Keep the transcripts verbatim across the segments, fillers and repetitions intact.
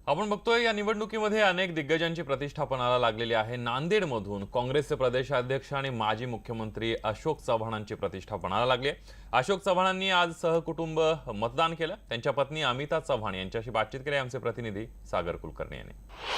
आपण बघतोय या निवडणुकीमध्ये अनेक दिग्गजांची प्रतिष्ठा पणाला लागलेली आहे। नांदेडमधून काँग्रेसचे प्रदेशाध्यक्ष आणि माजी मुख्यमंत्री अशोक चव्हाणांची प्रतिष्ठा पणाला लागली आहे। अशोक चव्हाणांनी आज सहकुटुंब मतदान केलं। त्यांच्या पत्नी अमिता चव्हाण यांच्याशी बातचीत केली आमचे प्रतिनिधी सागर कुलकर्णी यांनी।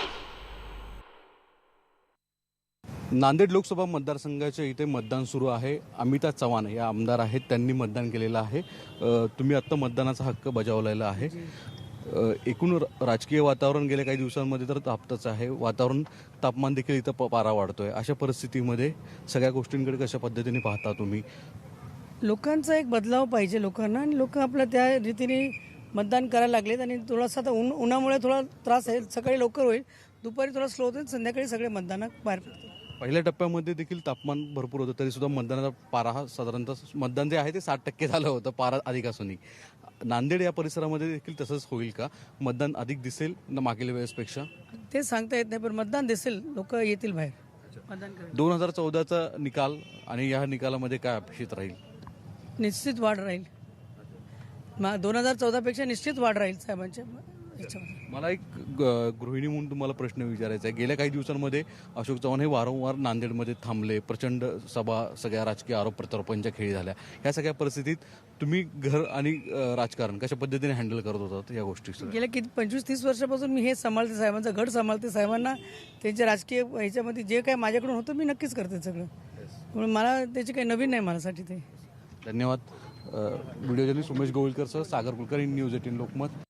नांदेड लोकसभा मतदारसंघाच्या इथे मतदान सुरू आहे। अमिता चव्हाण या आमदार आहेत, त्यांनी मतदान केलेलं आहे। तुम्ही आता मतदानाचा हक्क बजावलेला आहे। एकूण राजकीय वातावरण गेल्या काही दिवसांमध्ये तर तापतच आहे। वातावरण तापमान देखील इथं पारा वाढतोय। अशा परिस्थितीमध्ये सगळ्या गोष्टींकडे कशा पद्धतीने पाहता तुम्ही? लोकांचा एक बदलाव पाहिजे लोकांना, आणि लोक आपलं त्या रीतीने मतदान करायला लागलेत। आणि थोडासा आता ऊन उन्हामुळे थोडा त्रास आहे। सकाळी लवकर होईल, दुपारी थोडा स्लो होईल, संध्याकाळी सगळे मतदानात बाहेर पडतील। पहिल्या टप्प्यामध्ये देखील तापमान भरपूर होतं, तरी सुद्धा मतदानाचा पारा हा साधारणतः मतदान जे आहे ते साठ टक्के झालं होतं, पारा अधिक असूनही। नांदेड या परिसरामध्ये देखील तसंच होईल का? मतदान अधिक दिसेल ना मागील वेळेसपेक्षा? ते सांगता येत नाही, पण मतदान दिसेल, लोक येतील बाहेर मतदान करायला। दोन हजार चौदाचा निकाल आणि या निकालामध्ये काय अपेक्षित राहील? निश्चित वाढ राहील। दोन हजार चौदापेक्षा निश्चित वाढ राहील साहेबांच्या याच्यामध्ये। मला एक गृहिणी म्हणून तुम्हाला प्रश्न विचारायचा आहे। गेल्या काही दिवसांमध्ये अशोक चव्हाण हे वारंवार नांदेडमध्ये थांबले, प्रचंड सभा, सगळ्या राजकीय आरोप प्रत्यारोपांच्या खेळी झाल्या। ह्या सगळ्या परिस्थितीत तुम्ही घर आणि राजकारण कशा पद्धतीने हँडल करत होतात या गोष्टी? गेल्या किती पंचवीस तीस वर्षापासून मी हे सांभाळते, साहेबांचा गड सांभाळते। साहेबांना त्यांच्या राजकीय ह्याच्यामध्ये जे काही माझ्याकडून होतं मी नक्कीच करते सगळं, म्हणून मला त्याची काही नवीन नाही माझ्यासाठी ते। धन्यवाद। व्हिडिओ जर्नलिस्ट उमेश गोविलकर सह सागर कुलकर्णी, न्यूज एटीन लोकमत।